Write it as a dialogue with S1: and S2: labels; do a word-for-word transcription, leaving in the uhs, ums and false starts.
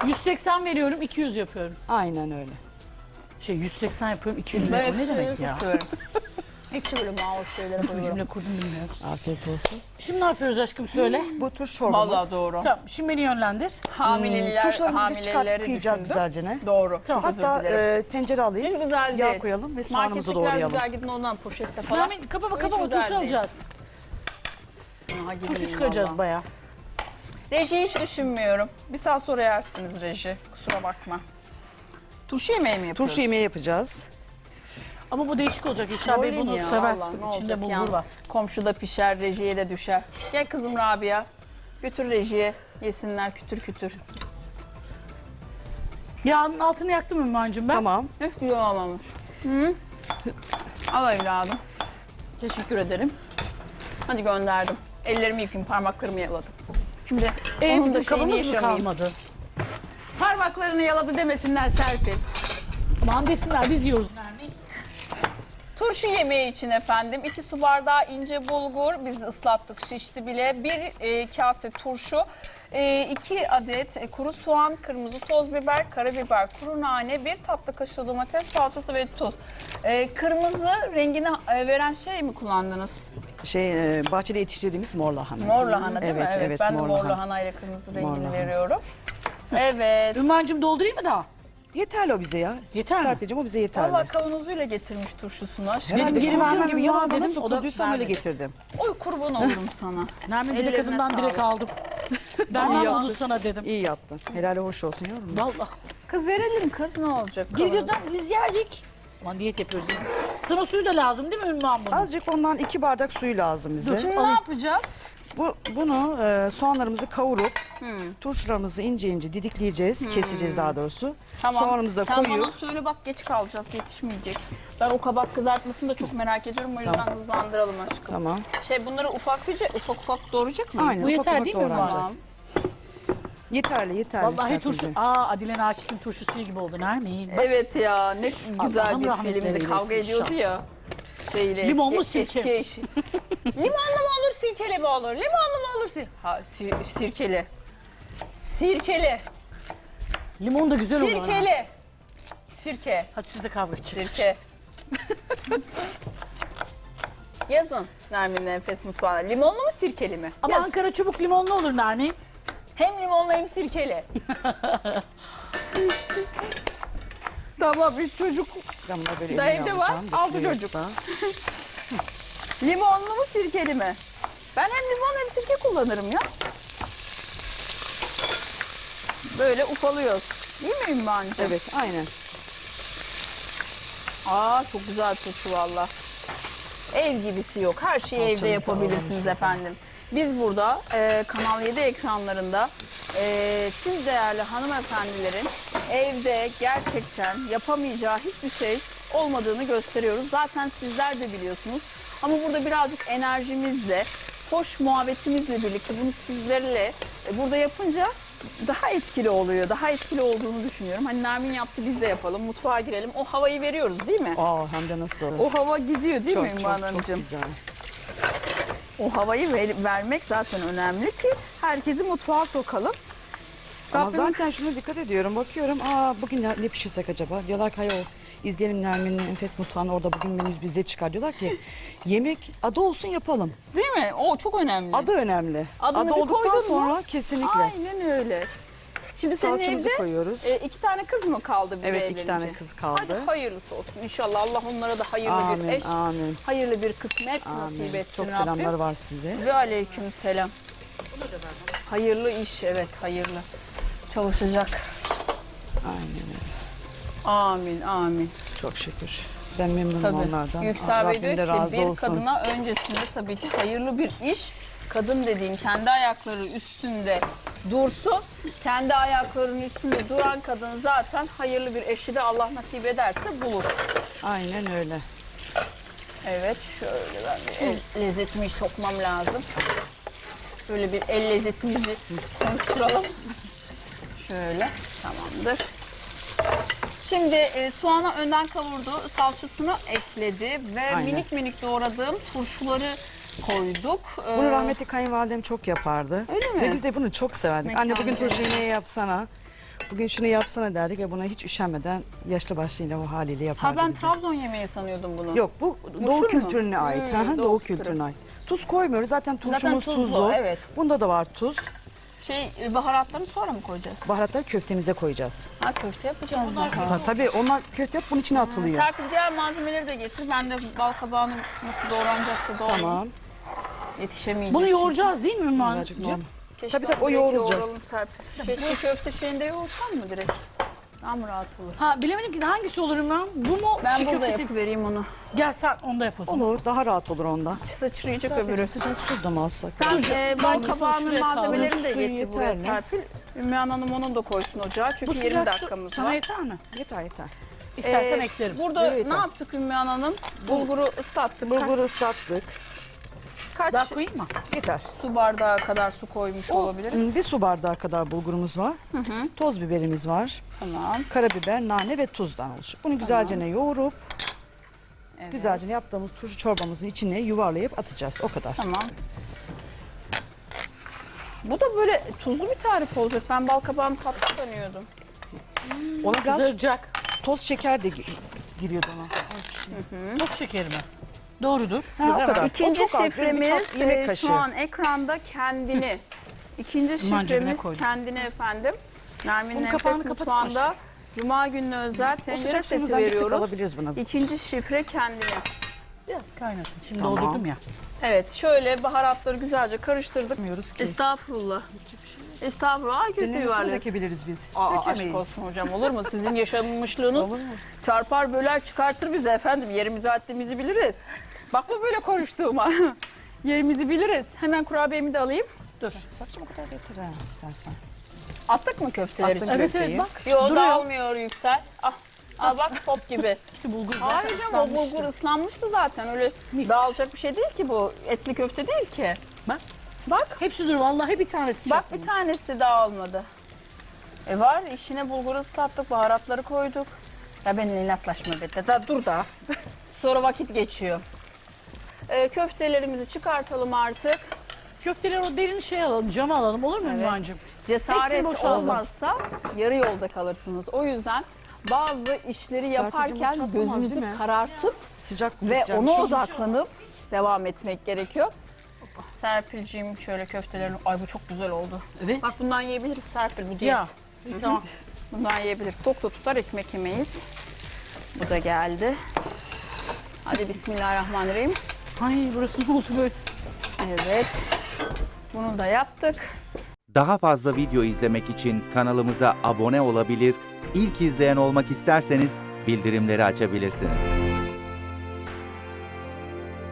S1: yüz seksen veriyorum, iki yüz yapıyorum.
S2: Aynen öyle.
S1: Şey yüz seksen yapıyorum, iki yüz
S3: Ben
S1: veriyorum. Ne
S3: hep
S1: demek
S3: şeyleri
S1: ya?
S3: çok severim. Hepsi böyle mouse şeylere
S1: Nasıl bir
S3: koyuyorum.
S1: cümle kurdum bilmiyorum.
S2: Afiyet olsun.
S1: Şimdi ne yapıyoruz aşkım söyle.
S2: Bu turş çorbamız.
S3: Vallahi doğru.
S1: Tamam şimdi beni yönlendir.
S3: Hamileler,
S2: Turşularımızı bir çıkartıp
S3: hamileleri
S2: kıyacağız
S3: düşündüm.
S2: güzelce ne?
S3: Doğru.
S1: Tamam.
S3: Çok özür
S2: Hatta
S3: dilerim.
S2: e, tencere alayım.
S3: Hiç güzel
S2: Yağ
S3: değil.
S2: koyalım ve soğanımızı
S3: Markettekiler
S2: doğrayalım.
S3: güzel gidin ondan poşette falan.
S1: Nermin kapa
S3: Hiç
S1: kapa
S3: güzel
S1: turşu
S3: değil.
S1: alacağız.
S3: Aha, gidin
S1: Turşu çıkaracağız
S3: vallahi.
S1: bayağı.
S3: Reji hiç düşünmüyorum. Bir saat sonra yersiniz reji. Kusura bakma. Turşu yemeği mi yapıyoruz?
S2: Turşu yemeği yapacağız.
S1: Ama bu değişik olacak. İlker Bey
S3: Söyleyeyim
S1: bunu
S3: ya,
S1: sever.
S3: vallahi ne
S1: İçinde
S3: olacak
S1: bulgur
S3: yani.
S1: var.
S3: Komşuda pişer, rejiye de düşer. Gel kızım Rabia. Götür rejiye. Yesinler kütür kütür.
S1: Yağın altını yaktım Ümmühan'cığım ben.
S2: Tamam.
S3: Hiç güzel olmamış. Hı? Al evladım. Teşekkür ederim. Hadi gönderdim. Ellerimi yıkayayım, parmaklarımı yaladım. Şimdi
S1: Ee,
S3: onun da
S1: bizim
S3: şeyini
S1: kabımız mı
S3: yaşamayayım.
S1: kalmadı?
S3: Parmaklarını yaladı demesinler Serpil.
S1: Aman desinler biz yiyoruz Nermin.
S3: Turşu yemeği için efendim iki su bardağı ince bulgur, biz ıslattık şişti bile. Bir e, kase turşu, e, iki adet e, kuru soğan, kırmızı toz biber, karabiber, kuru nane, bir tatlı kaşığı domates salçası ve tuz. E, kırmızı rengini e, veren şey mi kullandınız?
S2: Şey e, bahçede yetiştirdiğimiz mor lahana.
S3: Mor lahana değil
S2: Evet,
S3: mi? Evet,
S2: evet,
S3: ben de
S2: mor
S3: mor
S2: lahana.
S3: lahana ile kırmızı rengini
S2: lahana.
S3: veriyorum. Evet.
S1: Ümmühan'cığım doldurayım mı daha?
S2: Yeterli o bize ya.
S1: Yeter mi?
S2: Serpil'cim o bize yeterli.
S3: Valla kavanozuyla getirmiş turşusunu.
S2: Herhalde
S1: Dedim, geri
S2: kurduğum
S1: vermem
S2: gibi
S1: lazım
S2: yalandan
S1: dedim,
S2: nasıl
S1: o da
S2: kurduysam öyle
S1: vermedi.
S2: getirdim.
S3: Oy kurban olurum sana.
S1: Nermin direkt
S3: Ellerine
S1: kadından direkt
S3: sağlık.
S1: aldım. Ben
S2: İyi
S1: bunu
S2: yaptın.
S1: sana dedim.
S2: İyi yaptın. Helal hoş olsun yavrum.
S1: Vallahi.
S3: Kız verelim kız ne olacak?
S1: Geliyordan biz yerdik. Aman diyet yapıyoruz. Yani. Sana suyu da lazım değil mi Ümmühan bunun?
S2: Azıcık ondan iki bardak suyu lazım bize.
S3: Şimdi ne yapacağız?
S2: Bu, bunu e, soğanlarımızı kavurup turşularımızı ince ince didikleyeceğiz. Keseceğiz daha doğrusu. Soğanımızı da
S3: Sen
S2: koyup
S3: bana söyle bak geç kalacağız yetişmeyecek. Ben o kabak kızartmasını da çok merak ediyorum o yüzden
S2: Tamam.
S3: hızlandıralım aşkım.
S2: tamam.
S3: Şey bunları ufaklıca ufak ufak doğrayacak mıyız?
S2: Aynen
S1: Bu
S2: ufak
S1: yeter
S2: ufak
S1: değil mi
S2: doğranacak.
S3: Tamam.
S2: Yeterli yeterli.
S1: Vallahi turşu.
S2: Serpil'cim.
S1: Aa Adilen Ağaçlı'nın turşu suyu gibi oldu Nermin. Bak,
S3: Evet ya ne güzel
S1: Allah'ım
S3: bir
S1: rahmetleri
S3: filmdi
S1: eylesin
S3: kavga ediyordu
S1: inşallah.
S3: ya. Şeyle
S1: Limonlu
S3: eski,
S1: sirke.
S3: eski eşi. Limonlu mu olur sirkeli mi olur? Limonlu mu olur sir ha, sir sirkeli. Sirkeli.
S1: Limon da güzel olur. ha.
S3: Sirkeli. Sirke.
S1: Hadi siz de kavga edin.
S3: Sirke. Yazın Nermin'in Enfes Mutfağı'na. Limonlu mu sirkeli mi?
S1: Ama
S3: Yazın.
S1: Ankara çubuk limonlu olur Nermin.
S3: Hem limonlu hem sirkeli. Tamam üç çocuk.
S2: Ben bunu böyle
S3: Da
S2: eline
S3: evde var,
S2: alacağım,
S3: altı
S2: bekliyor
S3: çocuk.
S2: yoksa.
S3: Limonlu mu sirkeli mi? Ben hem limon hem sirke kullanırım ya. Böyle ufalıyoruz. Değil mi Ümmühan'cığım?
S2: Evet aynen.
S3: Aa çok güzel turşu valla. Ev gibisi yok. Her şeyi evde
S2: Salçamızı
S3: yapabilirsiniz
S2: alalım
S3: efendim. Biz burada e, Kanal yedi ekranlarında e, siz değerli hanımefendilerin evde gerçekten yapamayacağı hiçbir şey olmadığını gösteriyoruz. Zaten sizler de biliyorsunuz. Ama burada birazcık enerjimizle, hoş muhabbetimizle birlikte bunu sizlerle e, burada yapınca daha etkili oluyor. Daha etkili olduğunu düşünüyorum. Hani Nermin yaptı biz de yapalım. Mutfağa girelim. O havayı veriyoruz değil mi?
S2: Aa hem de nasıl?
S3: O hava gidiyor değil
S2: çok,
S3: mi
S2: çok,
S3: Ümmühan
S2: çok
S3: Hanımcığım?
S2: güzel.
S3: O havayı ver- vermek zaten önemli ki herkesi mutfağa sokalım.
S2: Ama
S3: Rabbim-
S2: zaten şuna dikkat ediyorum. Bakıyorum aa bugün ne, ne pişirsek acaba? Diyorlar ki hayır izleyelim Nermin'in Enfes Mutfağı'nı orada bugün menümüz bize çıkar. Diyorlar ki yemek adı olsun yapalım.
S3: Değil mi? O çok önemli.
S2: Adı önemli.
S3: Adını
S2: Adı
S3: bir
S2: olduktan
S3: koydun mu?
S2: sonra kesinlikle.
S3: Aynen öyle. Şimdi senin
S2: Salçamızı
S3: evde
S2: koyuyoruz.
S3: e, iki tane kız mı kaldı bir
S2: Evet,
S3: de
S2: iki
S3: evlenince?
S2: tane kız kaldı.
S3: Hadi hayırlısı olsun. İnşallah Allah onlara da hayırlı
S2: Amin,
S3: bir eş,
S2: amin.
S3: hayırlı bir kısmet nasip
S2: Amin.
S3: etsin
S2: Çok
S3: Rabbim.
S2: selamlar var size.
S3: Ve aleyküm selam. Hayırlı iş, evet hayırlı. Çalışacak.
S2: Aynen öyle.
S3: Amin, amin.
S2: Çok şükür. Ben memnunum
S3: Tabii.
S2: onlardan.
S3: Yüksel Bey
S2: Rabbim de
S3: diyor ki
S2: razı
S3: bir
S2: olsun.
S3: kadına öncesinde tabii ki hayırlı bir iş. Kadın dediğin kendi ayakları üstünde dursun. Kendi ayaklarının üstünde duran kadın zaten hayırlı bir eşi de Allah nasip ederse bulur.
S2: Aynen öyle.
S3: Evet şöyle ben bir el lezzetimi sokmam lazım. Böyle bir el lezzetimizi konuşturalım. Şöyle tamamdır. Şimdi e, soğanı önden kavurdu, salçasını ekledi ve
S2: Aynen.
S3: minik minik doğradığım turşuları koyduk. Ee,
S2: Bunu rahmetli kayınvalidem çok yapardı.
S3: Öyle mi?
S2: Ve biz de bunu çok severdik.
S3: Mekanı
S2: Anne bugün turşu
S3: cennet.
S2: yemeği yapsana. Bugün şunu yapsana derdik ve buna hiç üşenmeden yaşlı başlı yine o haliyle yapardı
S3: Ha ben
S2: bize.
S3: Trabzon yemeği sanıyordum bunu.
S2: Yok bu Doğu
S3: mu?
S2: kültürüne ait.
S3: Hmm,
S2: Hı hı,
S3: Doğu
S2: Doğu
S3: kültürü.
S2: kültürüne ait. Tuz koymuyoruz. Zaten turşumuz
S3: tuzlu,
S2: tuzlu.
S3: evet.
S2: Bunda da var tuz.
S3: Şey baharatlarını sonra mı koyacağız?
S2: Baharatları köftemize koyacağız.
S3: Ha köfte yapacağız daha.
S2: Ha, tabii onlar köfte yap bunun içine atılıyor.
S3: Serpil diğer malzemeleri de getir. Ben de bal kabağının nasıl doğranacaksa doğrayayım.
S2: Tamam.
S3: Yetişemeyecek.
S1: Bunu yoğuracağız değil mi
S2: Birazcık
S1: Ümrancığım?
S2: normal.
S3: Keşke
S2: Tabii, tabii,
S3: onu
S2: o
S3: direkt
S2: yoğrulacak.
S3: yoğuralım Serpil. Şey, çiğ köfte şeyinde yoğursan mı direkt? Daha mı rahat olur?
S1: Ha bilemedim ki hangisi olur Ümran? Bu mu?
S3: Ben
S1: çiğ
S3: burada
S1: köftesi mi?
S3: yapıvereyim onu.
S1: Gel sen onda yap o zaman.
S2: Olur daha rahat olur onda.
S3: Sıçrayacak öbürü.
S2: Sıcak su da mı alsak?
S3: Sen e, bal
S1: Ben
S3: kabağının
S1: şuraya
S3: malzemelerini de
S2: Suyu
S3: getir buraya
S2: yeter mi?
S3: Serpil. Ümmühan Hanım onun da koysun ocağa. Çünkü
S1: Bu
S3: yirmi
S1: sıcak su
S3: dakikamız
S1: sana
S3: var.
S1: yeter mi?
S2: Yeter yeter.
S1: İstersen
S3: Ee,
S1: eklerim.
S3: Burada
S2: Evet,
S3: ne
S2: yeter.
S3: yaptık Ümmühan Hanım? Bulguru ıslattık.
S2: Bulguru ıslattık.
S3: Kaç
S1: Daha koyayım mı?
S2: Yeter.
S3: su bardağı kadar su koymuş
S2: O,
S3: olabilir?
S2: bir su bardağı kadar bulgurumuz var. Toz biberimiz var.
S3: Tamam.
S2: Karabiber, nane ve tuzdan oluşuyor. Bunu güzelce yoğurup
S3: Evet.
S2: güzelce yaptığımız turşu çorbamızın içine yuvarlayıp atacağız. O kadar.
S3: Tamam. Bu da böyle tuzlu bir tarif olacak. Ben bal kabağını tatlı sanıyordum.
S2: Ona biraz
S1: Kızaracak.
S2: toz şeker de gi- giriyordu ona.
S1: Toz şekeri mi? Doğrudur.
S2: Ha, o kadar.
S3: İkinci
S2: o çok az. Bir
S3: şifremiz
S2: tat- yemek
S3: e,
S2: kaşığı.
S3: şu an ekranda kendini. İkinci
S1: Aman cebine
S3: şifremiz
S1: koydum.
S3: kendini efendim. Nermin'in
S1: Bunun
S3: Enfes
S1: kapağını kapatıp
S3: Mutfağı'nda Cuma gününe özel
S2: O
S3: tencere
S2: sıcak
S3: seti
S2: suyumuzdan bir tık
S3: veriyoruz.
S2: alabiliriz buna.
S3: İkinci şifre kendini.
S1: Biraz kaynasın. Şimdi
S2: Tamam.
S1: doldurdum ya.
S3: Evet şöyle baharatları güzelce karıştırdık.
S2: Bilmiyoruz ki.
S3: Estağfurullah. Estağfurullah. Ay,
S2: Senin
S3: kötü
S2: üstüne
S3: yuvarlak.
S2: dökebiliriz biz.
S3: Aa, aşk
S2: Dökemeyiz.
S3: olsun hocam olur mu? Sizin yaşanmışlığınız
S2: Olur mu?
S3: çarpar böler çıkartır bizi efendim. Yerimizi haddimizi biliriz. Bakma böyle konuştuğuma. Yerimizi biliriz. Hemen kurabiyemi de alayım. Dur.
S2: Sakçım o kadar yeter ha istersen.
S3: Attık mı köfteleri?
S2: Attım
S3: içine?
S1: Evet
S2: köfteyi.
S1: evet bak.
S3: Yo
S1: Duruyor.
S3: dağılmıyor Yüksel. Ah, ah bak top gibi.
S1: İşte bulgur zaten
S3: Hayır canım o
S1: ıslanmıştı.
S3: bulgur ıslanmıştı zaten. Öyle
S1: Mis.
S3: dağılacak bir şey değil ki bu. Etli köfte değil ki.
S1: Bak.
S3: Bak.
S1: Hepsi dur vallahi bir tanesi
S3: Bak
S1: çarpılmış.
S3: bir tanesi dağılmadı. E var işine bulguru ıslattık, baharatları koyduk. Ya benimle inatlaşma be. Da dur da. Sonra vakit geçiyor. E, köftelerimizi çıkartalım artık.
S1: Köfteleri o derin şey alalım, cama alalım olur mu
S3: Evet.
S1: Ümrancığım?
S3: Cesaret
S1: Hepsini boşaltalım.
S3: olmazsa yarı yolda kalırsınız. O yüzden bazı işleri yaparken
S2: çatlamaz, değil
S3: gözünüzü
S2: mi?
S3: karartıp
S2: Sıcak
S3: ve
S2: tutacağım.
S3: ona
S2: Şu-
S3: odaklanıp devam etmek gerekiyor. Serpilciğim şöyle köftelerini... Ay bu çok güzel oldu.
S1: Evet.
S3: Bak bundan yiyebiliriz Serpil bu diyet.
S1: Ya. Tamam.
S3: Bundan yiyebiliriz. Tok da tutar ekmek yemeyiz. Bu da geldi. Hadi bismillahirrahmanirrahim.
S1: Ay burası ne oldu böyle?
S3: Evet. Bunu da yaptık.
S4: Daha fazla video izlemek için kanalımıza abone olabilir, ilk izleyen olmak isterseniz bildirimleri açabilirsiniz.